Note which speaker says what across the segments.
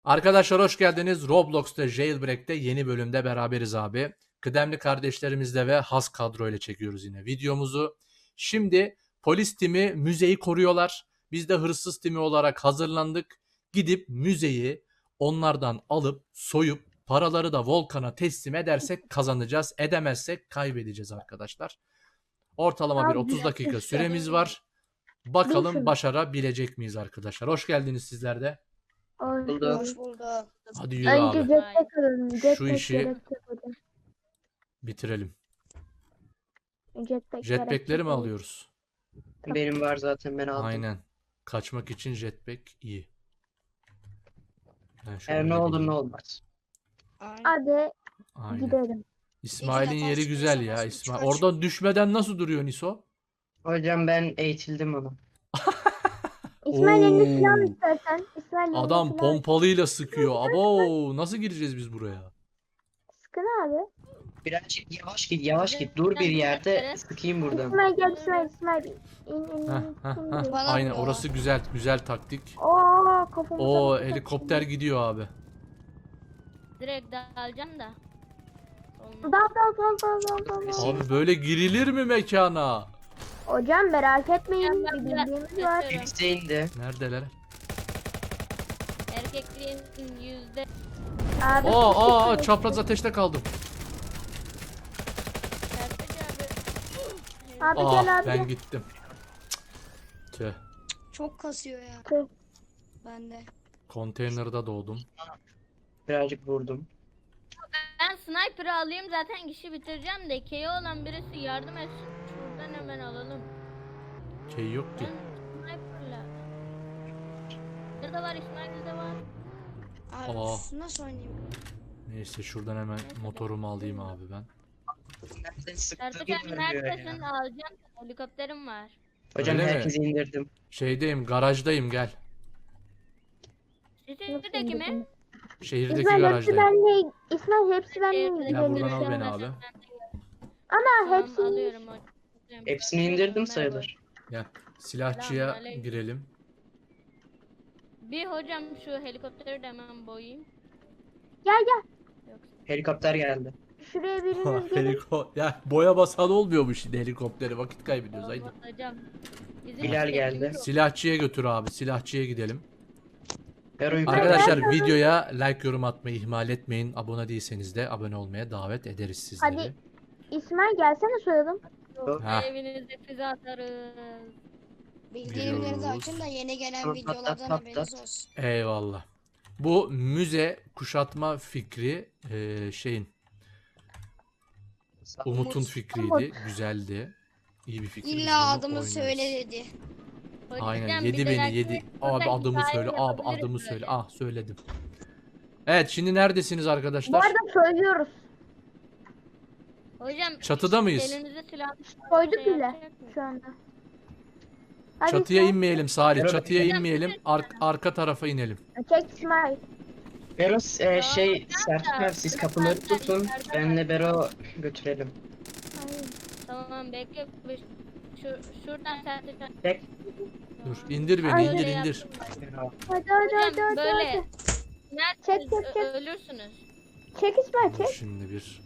Speaker 1: Arkadaşlar hoş geldiniz. Roblox'ta Jailbreak'te yeni bölümde beraberiz abi. Kıdemli kardeşlerimizle ve has kadro ile çekiyoruz yine videomuzu. Şimdi polis timi müzeyi koruyorlar. Biz de hırsız timi olarak hazırlandık. Gidip müzeyi onlardan alıp soyup paraları da Volkan'a teslim edersek kazanacağız. Edemezsek kaybedeceğiz arkadaşlar. Ortalama bir
Speaker 2: Abi,
Speaker 1: 30 dakika
Speaker 2: işte.
Speaker 1: süremiz var. Bakalım başarabilecek miyiz arkadaşlar? Hoş geldiniz sizler de.
Speaker 3: Hoş bulduk.
Speaker 1: Hadi yürü
Speaker 2: Önce
Speaker 1: abi.
Speaker 2: jetpack alalım. Jetpack
Speaker 1: işi-
Speaker 2: gerekecek hocam.
Speaker 1: Bitirelim.
Speaker 2: Jetpack
Speaker 1: Jetpack'leri
Speaker 2: gerekecek
Speaker 1: mi
Speaker 2: hocam.
Speaker 1: alıyoruz?
Speaker 3: Benim var zaten, ben aldım.
Speaker 1: Aynen. Kaçmak için jetpack iyi. Ben şöyle
Speaker 3: Her ne
Speaker 1: bir
Speaker 3: olur ne
Speaker 1: gideyim.
Speaker 3: olmaz.
Speaker 2: Hadi
Speaker 1: Aynen.
Speaker 2: gidelim.
Speaker 1: İsmail'in
Speaker 3: İki defa
Speaker 1: yeri güzel ya.
Speaker 3: çıkarsa
Speaker 1: İsmail.
Speaker 3: çıkar.
Speaker 1: Oradan düşmeden nasıl duruyor Niso?
Speaker 3: Hocam ben eğitildim ama.
Speaker 2: İsmail elinde
Speaker 1: Oo.
Speaker 2: silah istersen. İsmail elinde
Speaker 1: Adam
Speaker 2: silah.
Speaker 1: pompalıyla sıkıyor. Abo, nasıl gireceğiz biz buraya?
Speaker 2: Sıkın abi.
Speaker 3: Birazcık yavaş git, yavaş git. Dur bir yerde, sıkayım buradan.
Speaker 2: İsmail gel İsmail. İn.
Speaker 1: Heh, heh, heh. Aynen orası güzel. Güzel taktik.
Speaker 2: Oo kafamı
Speaker 1: O
Speaker 2: takmış.
Speaker 1: helikopter gidiyor abi.
Speaker 4: Direkt dalacağım da.
Speaker 2: Dal.
Speaker 1: Abi böyle girilir mi mekana?
Speaker 2: Hocam merak etmeyin.
Speaker 4: Ben
Speaker 2: Bir
Speaker 4: biraz
Speaker 2: bildiğimiz var.
Speaker 4: kaçıyorum.
Speaker 3: Birisi indi.
Speaker 1: Neredeler?
Speaker 4: Erkekliğin yüzde.
Speaker 2: Abi.
Speaker 1: Aa, çapraz ateşte kaldım.
Speaker 2: Abi
Speaker 1: Ah,
Speaker 2: gel abi.
Speaker 1: ben
Speaker 2: gel.
Speaker 1: gittim. Tüh.
Speaker 5: Çok kasıyor ya.
Speaker 2: Tüh.
Speaker 5: Ben de.
Speaker 1: Konteynerda doğdum.
Speaker 3: Birazcık vurdum.
Speaker 4: Ben sniper'ı alayım zaten işi bitireceğim de KO olan birisi yardım etsin. Şuradan hemen alalım.
Speaker 1: Şey yok ki.
Speaker 4: Ben sniper'la. Burada var, İsmail'de var.
Speaker 5: Abi
Speaker 1: Aa.
Speaker 5: nasıl oynayayım?
Speaker 1: Neyse şuradan hemen motorumu alayım abi ben.
Speaker 3: Nereden sıktığını
Speaker 4: Sertaç abi
Speaker 3: görmüyor
Speaker 4: neredesin?
Speaker 3: ya.
Speaker 4: Alacağım. Helikopterim var.
Speaker 3: Hocam
Speaker 1: Öyle mi?
Speaker 3: herkesi indirdim.
Speaker 1: Şeydeyim, garajdayım gel.
Speaker 4: Şehirdeki mi?
Speaker 1: Şehirdeki
Speaker 2: İsmail hepsi
Speaker 1: garajdayım.
Speaker 2: benle. İsmail hepsi benle.
Speaker 4: Şehirdeki.
Speaker 1: Ya buradan al
Speaker 2: Gidelim.
Speaker 1: beni abi.
Speaker 2: Ana
Speaker 4: Tamam,
Speaker 2: hepsi.
Speaker 4: alıyorum hocam.
Speaker 3: Hepsini indirdim sayılır.
Speaker 1: Gel. Silahçıya
Speaker 4: Selamünaleyküm.
Speaker 1: girelim.
Speaker 4: Bir hocam şu helikopteri de hemen boyayayım.
Speaker 2: Gel.
Speaker 4: Yoksa
Speaker 3: Helikopter geldi.
Speaker 2: Şuraya biriniz gelin.
Speaker 1: Ya boya basan olmuyormuş şimdi helikopteri. Vakit kaybediyoruz haydi.
Speaker 4: olmaz hocam. Bizim
Speaker 3: Bilal geldi.
Speaker 4: şehrimiz o.
Speaker 1: Silahçıya götür abi. Silahçıya gidelim.
Speaker 3: Bero'yu
Speaker 1: Arkadaşlar videoya like yorum atmayı ihmal etmeyin. Abone değilseniz de abone olmaya davet ederiz sizleri.
Speaker 2: Hadi. İsmail gelsene soyalım.
Speaker 1: Ha.
Speaker 4: Evinize füze atarız.
Speaker 5: Bildirimleri de
Speaker 1: Giriyoruz.
Speaker 5: açın da yeni gelen
Speaker 3: Pat,
Speaker 5: videolardan
Speaker 3: pat,
Speaker 5: haberiniz
Speaker 3: pat.
Speaker 5: olsun.
Speaker 1: Eyvallah. Bu müze kuşatma fikri şeyin Umut'un fikriydi. Güzeldi. İyi bir fikir. Biz bunu
Speaker 5: İlla adımı
Speaker 1: oynarız.
Speaker 5: söyle dedi.
Speaker 1: Aynen
Speaker 4: Hocam,
Speaker 1: yedi
Speaker 4: bir
Speaker 1: beni
Speaker 4: dahaki
Speaker 1: yedi.
Speaker 4: burada
Speaker 1: Abi adımı
Speaker 4: hikaye
Speaker 1: söyle. Abi
Speaker 4: yapabiliriz
Speaker 1: adımı
Speaker 4: böyle.
Speaker 1: söyle. Ah söyledim. Evet şimdi neredesiniz
Speaker 2: Bu
Speaker 1: arkadaşlar?
Speaker 2: arada soyuyoruz.
Speaker 4: Hocam
Speaker 1: Çatıda mıyız?
Speaker 4: elinize silah
Speaker 2: Soyduk
Speaker 4: şey
Speaker 2: bile
Speaker 4: yapacak mı?
Speaker 2: şu anda. Hadi
Speaker 1: Çatıya
Speaker 2: İsmail.
Speaker 1: inmeyelim Salih.
Speaker 3: Merhaba.
Speaker 1: Çatıya inmeyelim. Arka tarafa inelim.
Speaker 2: Çek İsmail.
Speaker 3: Bero
Speaker 4: Ya,
Speaker 3: şey Sertaç abi, siz kapıları tutun. Benle Bero götürelim.
Speaker 4: Tamam bekle. Şuradan sen de
Speaker 3: Bek.
Speaker 1: Dur indir beni
Speaker 2: Aynen.
Speaker 1: indir.
Speaker 3: Bero.
Speaker 2: Hadi.
Speaker 4: Hocam böyle.
Speaker 2: Çek, çek.
Speaker 4: Ölürsünüz.
Speaker 2: Çek İsmail
Speaker 1: Dur
Speaker 2: çek.
Speaker 1: şimdi bir.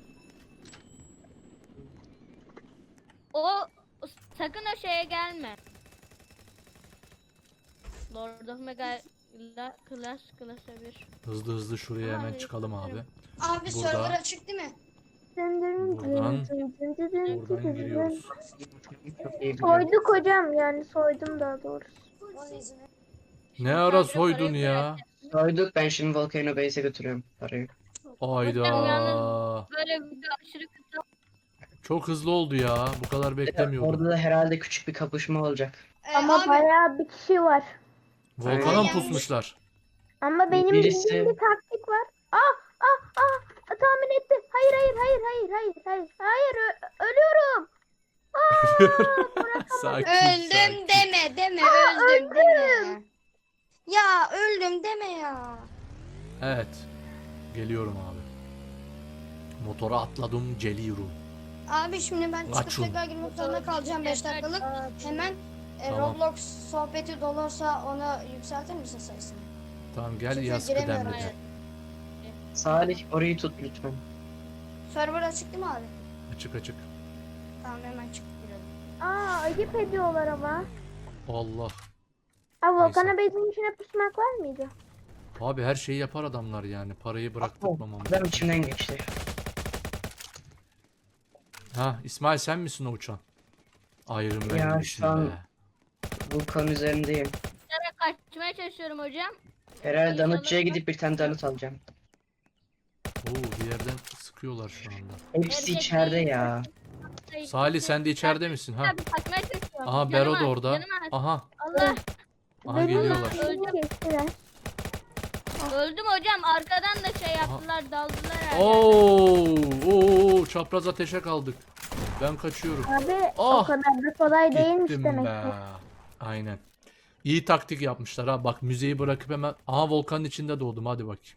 Speaker 4: O sakın o şeye gelme. Lord of Mega Clash 1.
Speaker 1: Hızlı şuraya hemen çıkalım abi.
Speaker 5: Abi
Speaker 1: Burada.
Speaker 5: server açık değil mi?
Speaker 1: Buradan giriyoruz.
Speaker 3: Çok iyi biliyorum.
Speaker 2: Soyduk hocam yani soydum daha doğrusu.
Speaker 5: Onun izini.
Speaker 1: Ne ara soydun ya?
Speaker 3: Soyduk, ben şimdi Volcano Base'e götürüyorum parayı.
Speaker 1: Ayda.
Speaker 4: Böyle bir aşırı kısa.
Speaker 1: Çok hızlı oldu ya. Bu kadar beklemiyordum.
Speaker 3: Orada da herhalde küçük bir kapışma olacak.
Speaker 2: Ama
Speaker 5: abi,
Speaker 2: bayağı bir kişi var.
Speaker 1: Volkana mı
Speaker 5: Aynen.
Speaker 1: pusmuşlar?
Speaker 2: Ama benim
Speaker 3: Birisi-
Speaker 2: bildiğim bir taktik var. Tahmin etti. Hayır. Ölüyorum.
Speaker 1: Sakin.
Speaker 5: öldüm deme öldüm deme. Ya öldüm deme ya.
Speaker 1: Evet. Geliyorum abi. Motora atladım geliyorum.
Speaker 5: Abi şimdi ben çıkıp
Speaker 1: Açın.
Speaker 5: tekrar girmek zorunda kalacağım 5 dakikalık. Hemen
Speaker 1: Tamam.
Speaker 5: Roblox sohbeti dolursa onu yükseltir misin sayısını?
Speaker 1: Tamam gel
Speaker 5: Çünkü
Speaker 1: yaz
Speaker 5: giremiyorum
Speaker 1: kıdemli de.
Speaker 3: Salih orayı tut lütfen.
Speaker 5: Server açık değil mi abi?
Speaker 1: Açık açık.
Speaker 5: Tamam hemen çıkıp girelim.
Speaker 2: Aa ayıp ediyorlar ama.
Speaker 1: Allah.
Speaker 2: Aa Volkan'a
Speaker 1: Neyse.
Speaker 2: bezin içine pusmak var mıydı?
Speaker 1: Abi her şeyi yapar adamlar yani. Parayı bıraktırmamamız.
Speaker 3: Adam içimden geçti.
Speaker 1: Ha İsmail sen misin o uçan? Iron Man
Speaker 3: Ya,
Speaker 1: gibisin
Speaker 3: şu an-
Speaker 1: be.
Speaker 3: Vulkan üzerindeyim.
Speaker 4: Dışarı kaçmaya çalışıyorum hocam.
Speaker 3: Herhalde danıtçıya gidip bir tane danıt alacağım.
Speaker 1: Oo bir yerden sıkıyorlar şu anda.
Speaker 3: Hepsi
Speaker 4: Erkek
Speaker 3: içeride
Speaker 4: değil.
Speaker 3: ya.
Speaker 1: Salih sen de içeride misin? Ha.
Speaker 4: Abi kaçmaya çalışıyorum.
Speaker 1: Aha
Speaker 4: Canım
Speaker 1: Bero da
Speaker 4: az,
Speaker 1: orada.
Speaker 4: canım az.
Speaker 1: Aha.
Speaker 4: Allah.
Speaker 1: Aha
Speaker 2: Benim
Speaker 1: geliyorlar.
Speaker 2: elimi kestiler.
Speaker 4: Öldüm hocam. Arkadan da şey yaptılar. Daldılar herhalde.
Speaker 1: Oo çapraz ateşe kaldık. Ben kaçıyorum.
Speaker 2: Abi
Speaker 1: Ah!
Speaker 2: o kadar da kolay değilmiş
Speaker 1: Gittim
Speaker 2: demek
Speaker 1: be.
Speaker 2: ki.
Speaker 1: Aynen. İyi taktik yapmışlar ha. Bak müzeyi bırakıp hemen. Aha volkanın içinde doğdum. Hadi bakayım.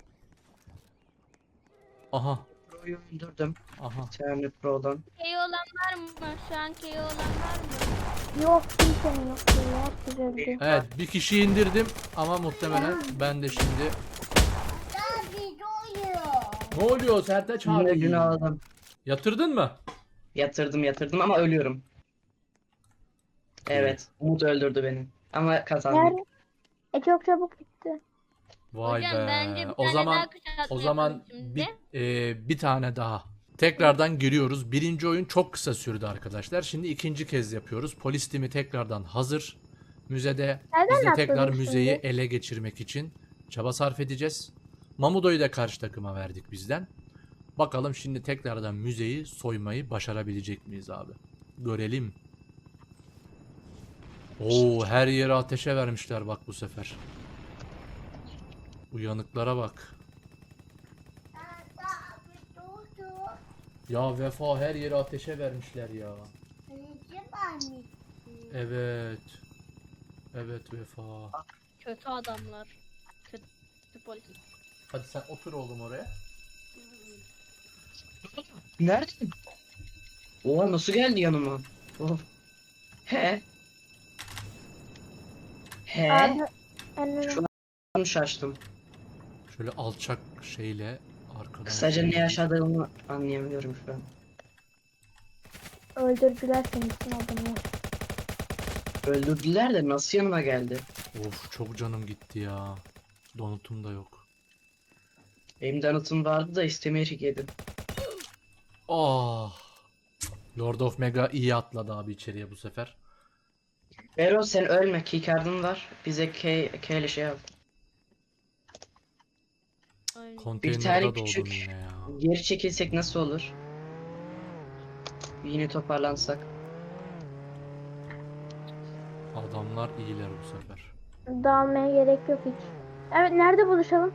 Speaker 1: Aha.
Speaker 3: Pro'yu öldürdüm.
Speaker 1: Aha.
Speaker 3: Bir tane Pro'dan.
Speaker 4: Key olan var mı? Şu an key olan var mı?
Speaker 2: Yok kimsenin yok. Herkes öldü.
Speaker 1: Evet bir kişiyi indirdim ama muhtemelen ben de şimdi. Ne oluyor Sertaç
Speaker 3: Yine
Speaker 1: abi?
Speaker 3: gün aldım.
Speaker 1: Yatırdın mı?
Speaker 3: Yatırdım ama ölüyorum. Evet. Umut öldürdü beni. Ama kazandık.
Speaker 2: Nerede? Çok çabuk bitti.
Speaker 1: Vay
Speaker 4: Hocam
Speaker 1: be.
Speaker 4: bence bir
Speaker 1: O
Speaker 4: tane
Speaker 1: zaman
Speaker 4: daha kuşatma
Speaker 1: o zaman
Speaker 4: yapalım şimdi.
Speaker 1: bir tane daha. Tekrardan giriyoruz. Birinci oyun çok kısa sürdü arkadaşlar. Şimdi ikinci kez yapıyoruz. Polis timi tekrardan hazır. Müzede
Speaker 2: Nereden
Speaker 1: biz de tekrar
Speaker 2: atladın
Speaker 1: müzeyi
Speaker 2: şimdi?
Speaker 1: ele geçirmek için çaba sarf edeceğiz. Mamudo'yu da karşı takıma verdik bizden. Bakalım şimdi tekrardan müzeyi soymayı başarabilecek miyiz abi? Görelim. Oo her yere ateşe vermişler bak bu sefer. Uyanıklara bak. Ya Vefa her yere ateşe vermişler ya. Evet. Evet Vefa.
Speaker 4: Kötü adamlar. Kötü polis.
Speaker 1: Hadi sen otur oğlum oraya.
Speaker 3: Nerede? Oha nasıl geldi yanıma? Oh. He. He.
Speaker 2: Abi önüne.
Speaker 3: Şu an şaştım.
Speaker 1: Şöyle alçak şeyle arkadan.
Speaker 3: Kısaca ne yaşadığımı anlayamıyorum şu an.
Speaker 2: Öldürdüler seni için adamı.
Speaker 3: Öldürdüler de nasıl yanıma geldi?
Speaker 1: Of çok canım gitti ya. Donutum da yok.
Speaker 3: Benim danıtım vardı da istemeyerek yedim.
Speaker 1: Ah. Lord of Mega iyi atladı abi içeriye bu sefer.
Speaker 3: Bero sen ölme, keycard'ın var. Bize K ile şey al.
Speaker 4: Aynen.
Speaker 1: Konteynerde
Speaker 3: tane
Speaker 1: doğdum
Speaker 3: küçük-
Speaker 1: yine ya.
Speaker 3: Geri çekilsek nasıl olur? Yine toparlansak.
Speaker 1: Adamlar iyiler bu sefer.
Speaker 2: Dağılmaya gerek yok hiç. Evet nerede buluşalım?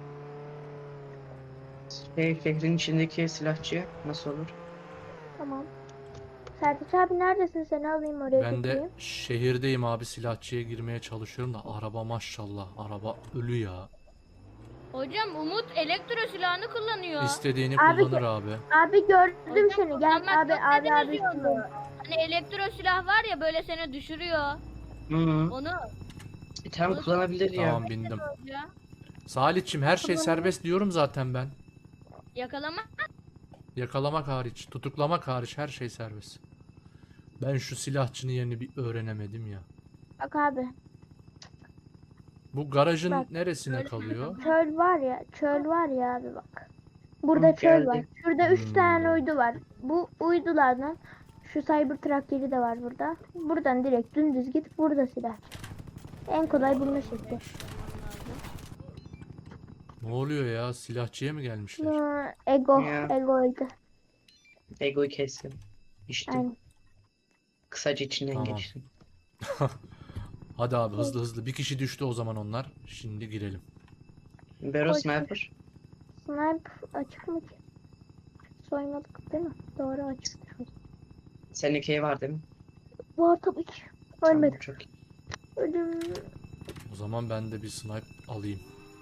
Speaker 3: Şehrin içindeki silahçı nasıl olur?
Speaker 2: Tamam. Sertaç abi neredesin? Seni alayım oraya
Speaker 1: Ben de
Speaker 2: götüreyim.
Speaker 1: şehirdeyim abi silahçıya girmeye çalışıyorum da araba maşallah araba ölü ya.
Speaker 4: Hocam Umut elektro silahını kullanıyor.
Speaker 1: İstediğini
Speaker 2: Abi
Speaker 1: kullanır abi.
Speaker 2: Abi gördüm
Speaker 4: Hocam,
Speaker 2: seni. Gel
Speaker 4: kullanmak
Speaker 2: abi
Speaker 4: yok
Speaker 2: abi
Speaker 4: dediniz
Speaker 2: abi.
Speaker 4: ya onu. Hani elektro silah var ya böyle seni düşürüyor.
Speaker 3: Hı -hı.
Speaker 4: Onu
Speaker 3: Tam kullanabilir ya.
Speaker 1: Tamam bindim.
Speaker 4: ya.
Speaker 1: Salihçim her şey serbest diyorum zaten ben.
Speaker 4: Yakalama.
Speaker 1: Yakalamak hariç, tutuklamak hariç her şey serbest. Ben şu silahçının yerini bir öğrenemedim ya.
Speaker 2: Bak abi.
Speaker 1: Bu garajın
Speaker 2: Bak,
Speaker 1: neresine
Speaker 4: öyle
Speaker 1: kalıyor?
Speaker 2: Çöl var ya. Çöl var ya abi bak. Burada
Speaker 3: Hı,
Speaker 2: çöl
Speaker 3: geldi.
Speaker 2: var. Şurada 3
Speaker 1: Hmm.
Speaker 2: tane uydu var. Bu uydulardan şu Cybertruck yeri de var burada. Buradan direkt dümdüz git. Burada silah. En kolay bulma şekli.
Speaker 1: Ne oluyor ya? Silahçıya mı gelmişler?
Speaker 2: Ego.
Speaker 3: Ya.
Speaker 2: Ego öldü.
Speaker 3: Ego'yu kestim. İşte
Speaker 2: Aynen.
Speaker 3: kısaca içinden
Speaker 1: Tamam.
Speaker 3: geçtim.
Speaker 1: Hadi abi hızlı hızlı. Bir kişi düştü o zaman onlar. Şimdi girelim.
Speaker 3: Bero
Speaker 2: Koş.
Speaker 3: sniper.
Speaker 2: Sniper açık mı ki? Soymadık değil mi? Doğru açık.
Speaker 3: Senin K var değil mi?
Speaker 2: Var tabii ki.
Speaker 3: Tamam,
Speaker 2: Ölmedim.
Speaker 3: çok iyi.
Speaker 2: Öldüm.
Speaker 1: O zaman ben de bir snipe alayım.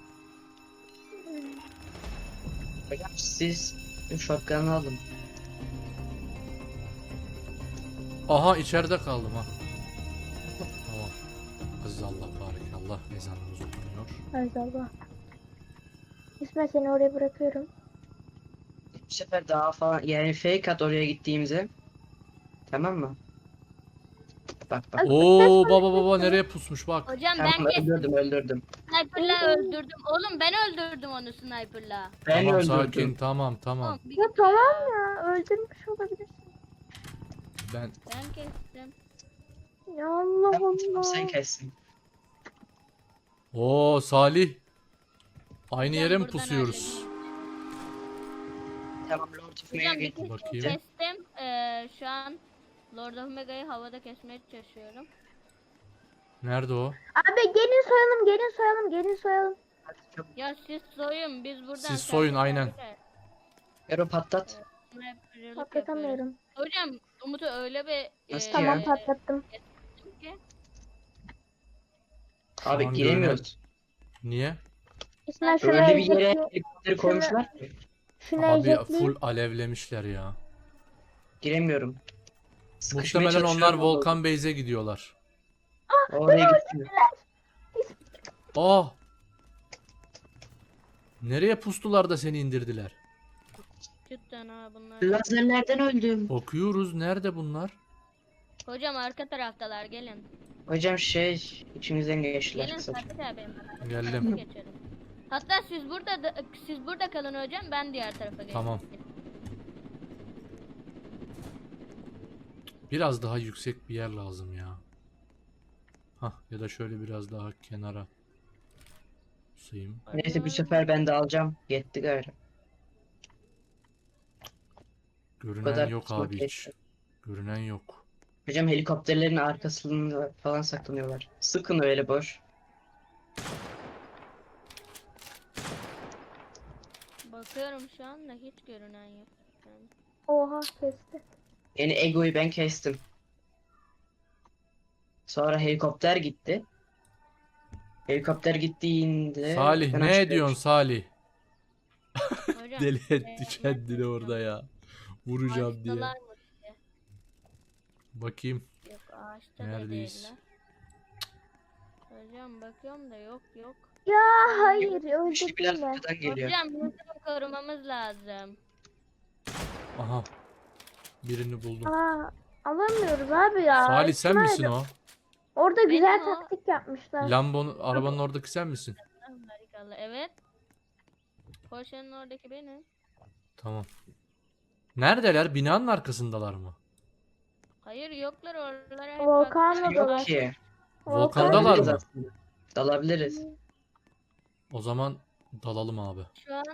Speaker 3: Hocam siz shotgun'ı alın.
Speaker 1: Aha içeride kaldım ha. Tamam. Aziz Allah barik Allah ezanımız okunuyor.
Speaker 2: Ay Allah. İsmail seni oraya bırakıyorum.
Speaker 3: Bu sefer daha falan yani fake at oraya gittiğimize. Tamam mı? Bak bak.
Speaker 1: Oo baba nereye pusmuş bak.
Speaker 4: Hocam
Speaker 3: Tamam
Speaker 4: ben kestim.
Speaker 3: öldürdüm.
Speaker 4: Sniper'la öldürdüm. Oğlum ben öldürdüm onu sniper'la.
Speaker 3: Ben
Speaker 1: Tamam
Speaker 3: öldürdüm.
Speaker 1: sakin tamam.
Speaker 4: Oğlum, bir
Speaker 2: Ya
Speaker 4: git
Speaker 2: tamam
Speaker 4: ya.
Speaker 2: ya öldürmüş olabilirsin.
Speaker 1: Ben
Speaker 4: Ben kestim.
Speaker 2: Ya Allah
Speaker 3: Tamam,
Speaker 2: Allah.
Speaker 3: sen kessin.
Speaker 1: Oo Salih. Aynı
Speaker 4: Hocam
Speaker 1: yere mi
Speaker 4: buradan
Speaker 1: pusuyoruz?
Speaker 3: Tamam Lord of
Speaker 4: Hocam
Speaker 3: Mayor
Speaker 4: bir
Speaker 3: getir.
Speaker 1: Bakayım.
Speaker 4: kestim. Şu an Lord of Mega'yı havada kesmeye çalışıyorum.
Speaker 1: Nerede o?
Speaker 2: Abi gelin soyalım.
Speaker 4: Ya siz soyun biz buradan.
Speaker 1: Siz soyun, aynen.
Speaker 3: Bero patlat.
Speaker 4: Sniper'lık
Speaker 2: Patlatamıyorum.
Speaker 4: yapıyoruz. Hocam Umut'u öyle bir
Speaker 3: Nasıl
Speaker 2: Tamam
Speaker 3: ya?
Speaker 2: patlattım.
Speaker 4: ki
Speaker 1: Şu
Speaker 3: Abi
Speaker 1: an
Speaker 3: giremiyoruz.
Speaker 1: Niye?
Speaker 2: İsmail şunu
Speaker 3: Öyle bir yere
Speaker 2: ejetle.
Speaker 3: helikopteri koymuşlar ki.
Speaker 2: Şunu
Speaker 1: Abi
Speaker 2: ejetle.
Speaker 1: full alevlemişler ya.
Speaker 3: Giremiyorum. Sıkışmaya
Speaker 1: Muhtemelen onlar
Speaker 3: çalışıyorum,
Speaker 1: Volkan Base'e gidiyorlar.
Speaker 3: Oraya gittim.
Speaker 1: Aa! Nereye pustular da seni indirdiler?
Speaker 4: cidden ha bunlar.
Speaker 3: Lazerlerden öldüm.
Speaker 1: Bakıyoruz nerede bunlar?
Speaker 4: Hocam arka taraftalar gelin.
Speaker 3: Hocam içimizden geçtiler
Speaker 4: Gelin
Speaker 3: kısaca.
Speaker 4: Sabit abi.
Speaker 1: Geldim.
Speaker 4: Geçelim. Hatta siz burada kalın hocam ben diğer tarafa geçeyim.
Speaker 1: Tamam. Biraz daha yüksek bir yer lazım ya. Hah ya da şöyle biraz daha kenara. Pusayım.
Speaker 3: Neyse bu sefer ben de alacağım. Yetti gayrı.
Speaker 1: Görünen
Speaker 3: kadar
Speaker 1: yok
Speaker 3: kısmet
Speaker 1: abi hiç.
Speaker 3: geçti.
Speaker 1: Görünen yok.
Speaker 3: Hocam helikopterlerin arkasında falan saklanıyorlar. Sıkın öyle boş.
Speaker 4: Bakıyorum şu anda hiç görünen yok. Yani.
Speaker 2: Oha kesti.
Speaker 3: Yani Ego'yu ben kestim. Sonra helikopter gitti. Helikopter gittiğinde...
Speaker 1: Salih
Speaker 3: ben
Speaker 1: ne
Speaker 3: aşağı
Speaker 1: ediyorsun Salih?
Speaker 4: Hocam,
Speaker 1: Deli etti
Speaker 4: nasıl
Speaker 1: kendini orada ya. Vuracağım diye.
Speaker 4: ağaçtalar mı?
Speaker 1: Bakayım.
Speaker 4: Yok ağaçta da
Speaker 1: Neredeyiz?
Speaker 4: değiller. Hocam bakıyorum da yok.
Speaker 2: Ya hayır
Speaker 3: Bir şey biraz
Speaker 2: öldürdüm ben.
Speaker 3: arkadan geliyor.
Speaker 4: Hocam bunu korumamız lazım.
Speaker 1: Aha. Birini buldum.
Speaker 2: Aa, alamıyoruz abi ya.
Speaker 1: Salih sen
Speaker 2: İsmail,
Speaker 1: misin o?
Speaker 2: Orada güzel
Speaker 4: Benim o.
Speaker 2: taktik yapmışlar.
Speaker 1: Arabanın oradaki sen misin?
Speaker 4: Harikalı. Evet. Porsche'nin oradaki benim.
Speaker 1: Tamam. Neredeler? Binanın arkasındalar mı?
Speaker 4: Hayır yoklar oralara hep
Speaker 2: Volkan'la
Speaker 4: baktılar.
Speaker 3: Yok
Speaker 2: dolar.
Speaker 3: ki.
Speaker 1: Volkan'dalar
Speaker 3: Dalabiliriz
Speaker 1: mı?
Speaker 3: aslında. Dalabiliriz.
Speaker 1: O zaman dalalım abi.
Speaker 4: Şu an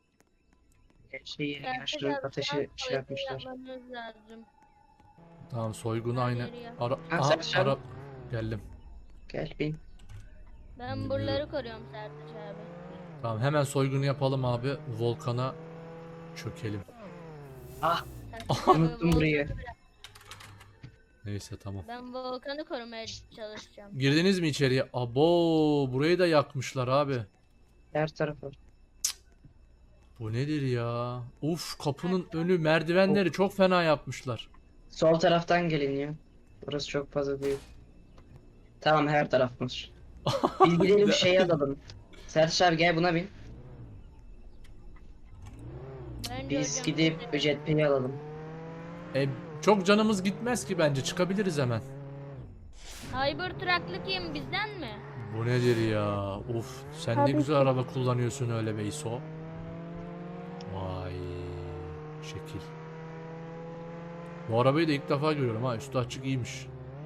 Speaker 3: Şeyi
Speaker 4: gerçek
Speaker 3: yaşlı ateşi şey yapmışlar.
Speaker 4: yapmamız lazım.
Speaker 1: Tamam soygunu aynı.
Speaker 4: Nereye ya?
Speaker 1: Aha,
Speaker 3: sen aşağı-
Speaker 1: Geldim.
Speaker 3: Gel bin.
Speaker 4: Ben
Speaker 1: Bilmiyorum.
Speaker 4: buraları koruyorum Sertaç abi.
Speaker 1: Tamam hemen soygunu yapalım abi. Volkan'a çökelim.
Speaker 3: Ah
Speaker 4: Sertaç abi,
Speaker 3: unuttum burayı.
Speaker 1: Neyse tamam.
Speaker 4: Ben Volkan'ı korumaya çalışacağım.
Speaker 1: Girdiniz mi içeriye? Abo burayı da yakmışlar abi.
Speaker 3: Her tarafı.
Speaker 1: Bu nedir ya? Uf kapının önü merdivenleri çok fena yapmışlar.
Speaker 3: Sol taraftan gelin ya. Burası çok fazla büyük. Tamam her tarafmış. Biz gidelim şeyi alalım. Sertaç abi gel buna bin.
Speaker 4: Bence
Speaker 3: Biz
Speaker 4: hocam
Speaker 3: gidip
Speaker 4: bize-
Speaker 3: jetpack'i alalım.
Speaker 1: Çok canımız gitmez ki bence. Çıkabiliriz hemen.
Speaker 4: Cybertruck'lı kim bizden mi?
Speaker 1: Bu nedir ya? Uf sen ne
Speaker 2: Tabii
Speaker 1: güzel
Speaker 2: ki.
Speaker 1: araba kullanıyorsun öyle be İso. Vay şekil. Bu arabayı da ilk defa görüyorum ha. Üstü açık iyiymiş.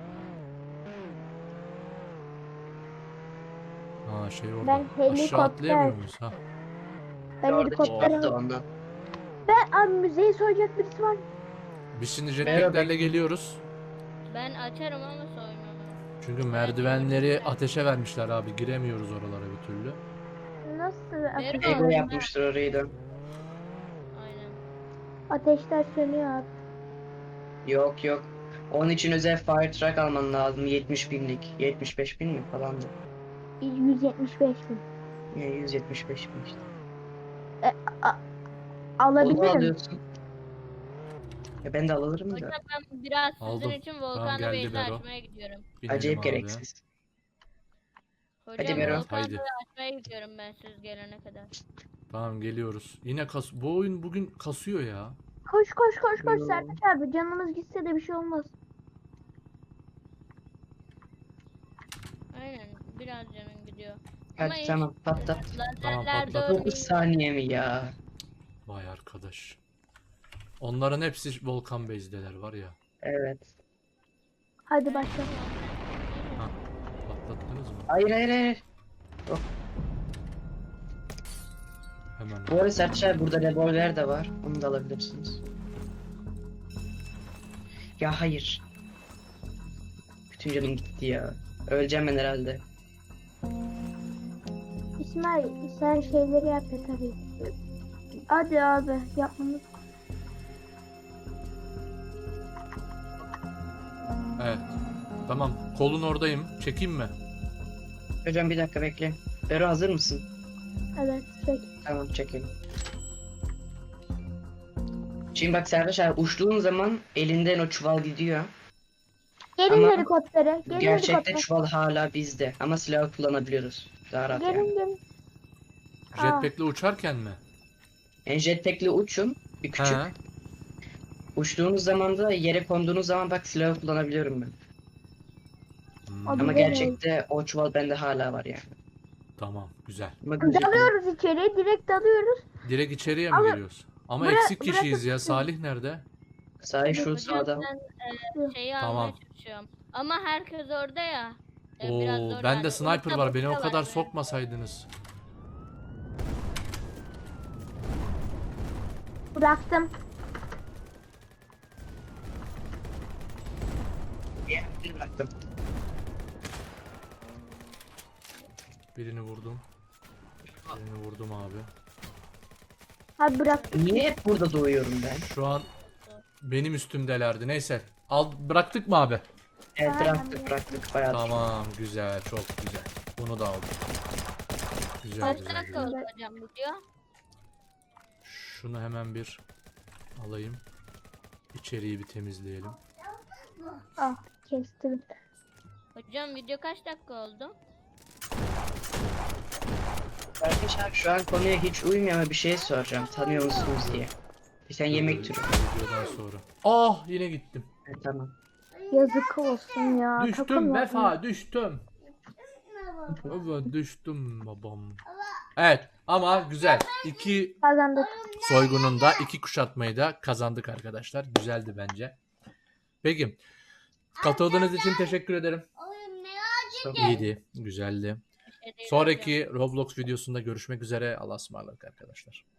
Speaker 1: Ha şey orada.
Speaker 2: Ben
Speaker 1: Aşağı
Speaker 2: helikopter-
Speaker 1: atlayamıyor muyuz? Ha.
Speaker 2: Ben
Speaker 3: Orada
Speaker 2: helikoptere...
Speaker 3: çıkarttı ondan.
Speaker 2: Abi müzeyi soyacak birisi var.
Speaker 1: Biz şimdi jetpacklerle geliyoruz.
Speaker 4: Ben açarım ama soymam.
Speaker 1: Çünkü merdivenleri ateşe vermişler abi. Giremiyoruz oralara bir türlü.
Speaker 2: Nasıl ateş?
Speaker 3: Ego yapmıştır orayı da.
Speaker 4: Aynen.
Speaker 2: Ateşler sönüyor abi.
Speaker 3: Yok yok. Onun için özel fire truck alman lazım. 70 binlik. 75 bin mi falandı.
Speaker 2: 175 bin.
Speaker 3: Yani 175 bin işte. Onu
Speaker 2: Alabilirim.
Speaker 3: alıyorsun. Ya ben de alırım da.
Speaker 4: Hocam ben biraz sizin
Speaker 1: Aldım.
Speaker 4: için
Speaker 1: Tamam,
Speaker 4: Volkan'la
Speaker 1: geldi
Speaker 4: Beyza
Speaker 1: Bero.
Speaker 4: açmaya gidiyorum.
Speaker 1: Binelim
Speaker 3: Acayip
Speaker 1: abi.
Speaker 3: gereksiz.
Speaker 4: Hocam
Speaker 3: Hadi Bero.
Speaker 4: Volkan'la
Speaker 1: Haydi.
Speaker 4: açmaya gidiyorum ben siz gelene kadar.
Speaker 1: Tamam geliyoruz. Yine bu oyun bugün kasıyor ya.
Speaker 2: Koş koş koş koş
Speaker 3: Yo.
Speaker 2: Sertaç abi. Canımız gitse de bir şey olmaz.
Speaker 4: Aynen biraz canım gidiyor.
Speaker 3: Hadi
Speaker 4: Ama
Speaker 3: tamam patlat.
Speaker 1: Tamam,
Speaker 4: lazerler
Speaker 1: patlat.
Speaker 3: 9
Speaker 4: doğru.
Speaker 3: saniye mi ya?
Speaker 1: Vay arkadaş. Onların hepsi Volkan Base'deler var ya.
Speaker 3: Evet.
Speaker 2: Hadi başla.
Speaker 1: Ha, patlattınız mı?
Speaker 3: Hayır hayır hayır.
Speaker 1: Hemen.
Speaker 3: Bu arada Sertaç abi burada revolver de var. Onu da alabilirsiniz. Ya hayır. Bütün canım gitti ya. Öleceğim ben herhalde.
Speaker 2: İsmail sen şeyleri yap ya tabii. Hadi abi yapmamız.
Speaker 1: Evet. Tamam. Kolun oradayım. Çekeyim mi?
Speaker 3: Hocam bir dakika bekle. Bero hazır mısın?
Speaker 2: Evet çek.
Speaker 3: Tamam çekelim. Şimdi bak Sertaç abi uçtuğun zaman elinden o çuval gidiyor.
Speaker 2: Gelin
Speaker 3: Ama
Speaker 2: helikoptere. Gelin
Speaker 3: Gerçekte
Speaker 2: helikoptere.
Speaker 3: çuval hala bizde ama silahı kullanabiliyoruz. Daha rahat yani.
Speaker 2: Gelin gelin. Aa.
Speaker 1: Jetpack'le uçarken mi?
Speaker 3: Yani jetpack'le uçun. Bir küçük.
Speaker 1: He.
Speaker 3: Uçtuğunuz zaman da yere konduğunuz zaman bak silahı kullanabiliyorum ben.
Speaker 1: Hmm,
Speaker 2: Abi-
Speaker 3: Ama
Speaker 2: Güzel.
Speaker 3: gerçekte o çuval bende hala var yani.
Speaker 1: tamam. Güzel.
Speaker 3: Ama gözükmüyor.
Speaker 2: Dalıyoruz içeri. Direkt dalıyoruz.
Speaker 1: Direkt içeriye mi
Speaker 2: Ama-
Speaker 1: giriyoruz? Ama
Speaker 2: Bıra-
Speaker 1: eksik kişiyiz ya.
Speaker 2: bırakıp-
Speaker 1: Salih nerede?
Speaker 3: Sahi şu
Speaker 4: Hocam
Speaker 3: sağda.
Speaker 4: ben şeyi
Speaker 1: Tamam.
Speaker 4: almaya çalışıyorum. Ama herkes orada ya. Biraz
Speaker 1: Oo,
Speaker 4: zor
Speaker 1: bende
Speaker 4: yani.
Speaker 1: sniper
Speaker 4: Orta
Speaker 1: var. Beni o
Speaker 4: boşta
Speaker 1: kadar
Speaker 4: var.
Speaker 1: sokmasaydınız.
Speaker 2: Bıraktım.
Speaker 3: Bir bıraktım.
Speaker 1: Birini vurdum. Birini vurdum abi.
Speaker 2: Hadi bıraktım.
Speaker 3: Niye hep burada doğuyorum ben?
Speaker 1: Şu an benim üstümdelerdi. Neyse. Bıraktık mı abi?
Speaker 3: Evet
Speaker 2: Tamam.
Speaker 3: bıraktık bayağı.
Speaker 1: Tamam. Güzel. Çok güzel. Bunu da aldım. Güzel
Speaker 4: Kaç
Speaker 1: güzel.
Speaker 4: dakika
Speaker 1: güzel.
Speaker 4: oldu hocam video?
Speaker 1: Şunu hemen bir alayım. İçeriği bir temizleyelim.
Speaker 2: Ah kestim.
Speaker 4: Hocam video kaç dakika oldu?
Speaker 3: Kardeş abi şu an konuya hiç uymuyor ama bir şey soracağım. Tanıyor musunuz diye. Sen yemek türü.
Speaker 1: Videodan sonra. Ah yine gittim.
Speaker 3: Evet, tamam.
Speaker 2: Yazık olsun ya. takım
Speaker 1: Düştüm
Speaker 2: yapma.
Speaker 1: Vefa düştüm. Evet düştüm babam. Evet ama güzel. İki
Speaker 2: Kazandık.
Speaker 1: soygunun da iki kuşatmayı da kazandık arkadaşlar. Güzeldi bence. Peki. Katıldığınız için teşekkür ederim.
Speaker 3: Çok
Speaker 1: İyiydi. Güzeldi.
Speaker 4: Bir şey değil hocam.
Speaker 1: Sonraki Roblox videosunda görüşmek üzere. Allah'a ısmarladık arkadaşlar.